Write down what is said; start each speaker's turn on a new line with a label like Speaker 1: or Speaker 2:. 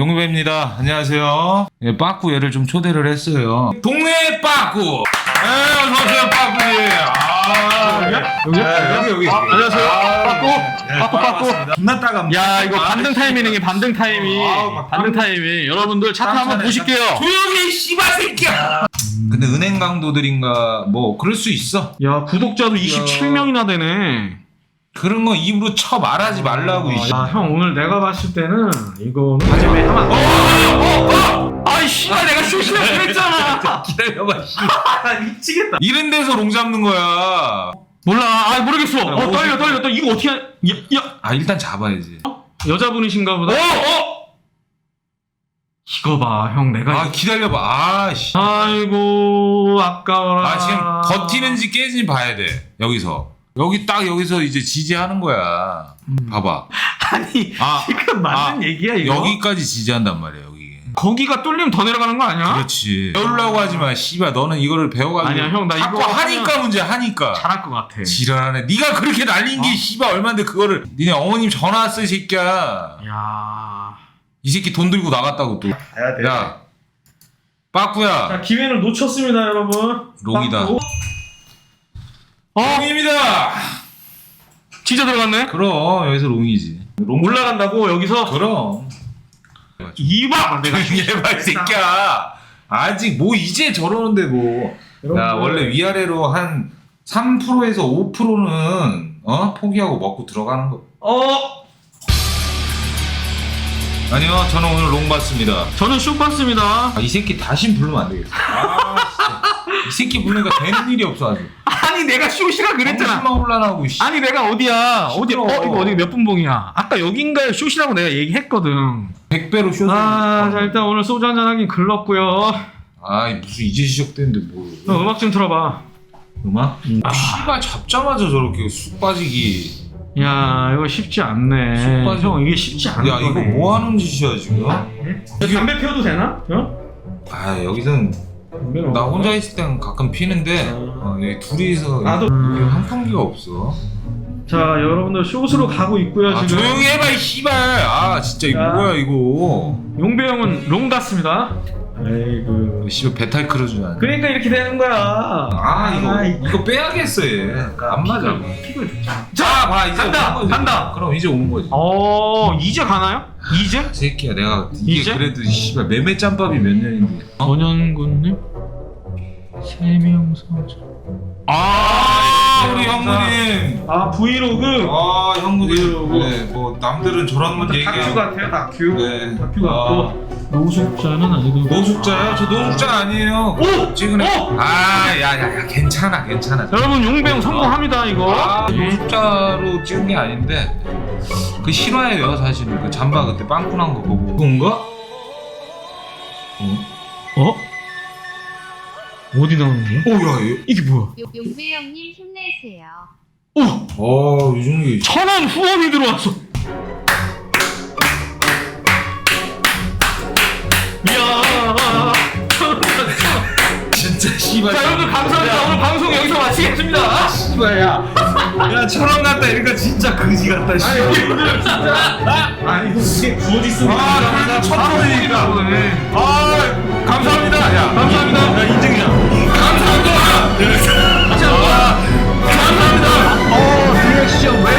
Speaker 1: 용배입니다. 안녕하세요. 예, 빠꾸 얘를 좀 초대를 했어요. 동네 빠꾸. 어서오세요, 빠꾸님. 여기.
Speaker 2: 안녕하세요. 빠꾸.
Speaker 1: 존나 따갑니다.
Speaker 2: 야, 이거 반등 타이밍이네, 반등 타이밍. 반등 타이밍. 여러분들 차트 한번 보실게요.
Speaker 1: 조용히 씨발 새끼야. 근데 은행 강도들인가 뭐 그럴 수 있어.
Speaker 2: 야, 구독자도 27명이나 되네.
Speaker 1: 그런 거 입으로 쳐 말하지 말라고.
Speaker 2: 야, 형 오늘 내가 봤을 때는 이거는 하지매 하면 아이 씨발 내가 쇼시라 그랬잖아.
Speaker 1: 기다려봐. 씨.
Speaker 2: 미치겠다.
Speaker 1: 이런 데서 롱 잡는 거야.
Speaker 2: 몰라. 아 모르겠어. 떨려. 이거 어떻게 야.
Speaker 1: 아 일단 잡아야지.
Speaker 2: 여자분이신가 보다. 이거 봐, 형 내가.
Speaker 1: 아 기다려봐. 아씨.
Speaker 2: 아이고 아까워라.
Speaker 1: 아 지금 버티는지 깨지는지 봐야 돼. 여기서 이제 지지하는 거야. 봐봐.
Speaker 2: 아니 지금 맞는 얘기야 이거?
Speaker 1: 여기까지 지지한단 말이야. 여기.
Speaker 2: 거기가 뚫리면 더 내려가는 거 아니야?
Speaker 1: 그렇지. 배우려고 하지 마. 씨발 너는 이거를 배워가지고.
Speaker 2: 아니야 형, 나
Speaker 1: 자꾸
Speaker 2: 이거
Speaker 1: 하니까 문제 하니까.
Speaker 2: 잘할 것 같아.
Speaker 1: 지랄하네. 네가 그렇게 날린 게 씨발 얼만데 그거를. 니네 어머님 전화 왔어 이 새끼야.
Speaker 2: 야.
Speaker 1: 이 새끼 돈 들고 나갔다고 또. 야. 빠꾸야.
Speaker 2: 자, 기회를 놓쳤습니다, 여러분.
Speaker 1: 롱이다.
Speaker 2: 빠꾸.
Speaker 1: 롱입니다.
Speaker 2: 진짜 들어갔네?
Speaker 1: 그럼 여기서 롱이지. 롱
Speaker 2: 올라간다고 여기서?
Speaker 1: 그럼.
Speaker 2: 이봐! 내가
Speaker 1: 얘봐 이 새끼야. 아직 뭐 이제 저러는데 뭐. 야 원래 위아래로 한 3%에서 5%는 포기하고 먹고 들어가는 거. 아니요 저는 오늘 롱 봤습니다.
Speaker 2: 저는 쇼 봤습니다.
Speaker 1: 이 새끼 다신 부르면 안 되겠어. 이 새끼 부르니까 되는 일이 없어 아주.
Speaker 2: 아니 내가 쇼시라 그랬잖아.
Speaker 1: 정신만 혼란하고.
Speaker 2: 아니 내가 어디야?
Speaker 1: 시끄러워.
Speaker 2: 이거 어디 몇 분봉이야? 아까 여긴가에 쇼시라고 내가 얘기했거든.
Speaker 1: 100배로 쇼.
Speaker 2: 자 일단 오늘 소주 한잔 하긴 글렀고요.
Speaker 1: 무슨 이제 시작됐는데 뭐.
Speaker 2: 너 음악 좀 틀어봐.
Speaker 1: 음악? 씨발 잡자마자 저렇게 쑥 빠지기.
Speaker 2: 야 이거 쉽지 않네. 형 이게 쉽지 않네.
Speaker 1: 야 이거 뭐 하는 짓이야 지금?
Speaker 2: 담배 피워도 되나?
Speaker 1: 여기선 나 혼자 있을 땐 가끔 피는데 여기 둘이서
Speaker 2: 나도.
Speaker 1: 여기 환풍기가 없어.
Speaker 2: 자 여러분들 숏으로 가고 있고요 지금.
Speaker 1: 조용히 해봐 이 씨발. 진짜 이거 뭐야 이거.
Speaker 2: 용배 형은 롱 같습니다. 아이고.
Speaker 1: 씨발 배탈 크러주지 않아.
Speaker 2: 그러니까 이렇게 되는 거야.
Speaker 1: 이거 빼야겠어 얘. 안 맞아.
Speaker 2: 픽을 좋잖아.
Speaker 1: 자 봐 이제
Speaker 2: 간다.
Speaker 1: 그럼 이제 오는 거지.
Speaker 2: 이제 가나요? 이제?
Speaker 1: 이 새끼야 내가 이게
Speaker 2: 이제?
Speaker 1: 그래도 씨발 매매 짬밥이 몇 년인데.
Speaker 2: 전현군님? 세명서자.
Speaker 1: 우리 형님.
Speaker 2: 브이로그.
Speaker 1: 형님. 네, 뭐 남들은 저런 건 얘기해.
Speaker 2: 다큐 같아요 다큐.
Speaker 1: 네.
Speaker 2: 다큐 같고. 노숙자는 아니고.
Speaker 1: 노숙자요? 저 노숙자 아니에요. 지금. 야야야 괜찮아.
Speaker 2: 여러분 용배 형 성공합니다 이거.
Speaker 1: 노숙자로 찍은 게 아닌데 그 실화예요 사실은. 그 잠바 그때 빵꾸 난 거 보고. 그건가?
Speaker 2: 어디 나오는 거야?
Speaker 1: 야
Speaker 2: 이게 뭐야?
Speaker 3: 용배 형님 힘내세요.
Speaker 1: 유중이
Speaker 2: 1,000원 후원이 들어왔어. 이야.
Speaker 1: 진짜 씨발.
Speaker 2: 자 여러분들 감사합니다. 오늘 방송 여기서 마치겠습니다.
Speaker 1: 씨발 야 1,000원 같다 이러니까 진짜 그지 같다 씨발.
Speaker 2: 아니 이게 부어지 쓰고.
Speaker 1: 그래도 1,000원이니까. 감사합니다. 야
Speaker 2: 감사합니다.
Speaker 1: 인증이야. 감사합니다. 감사합니다.
Speaker 2: 리액션 왜?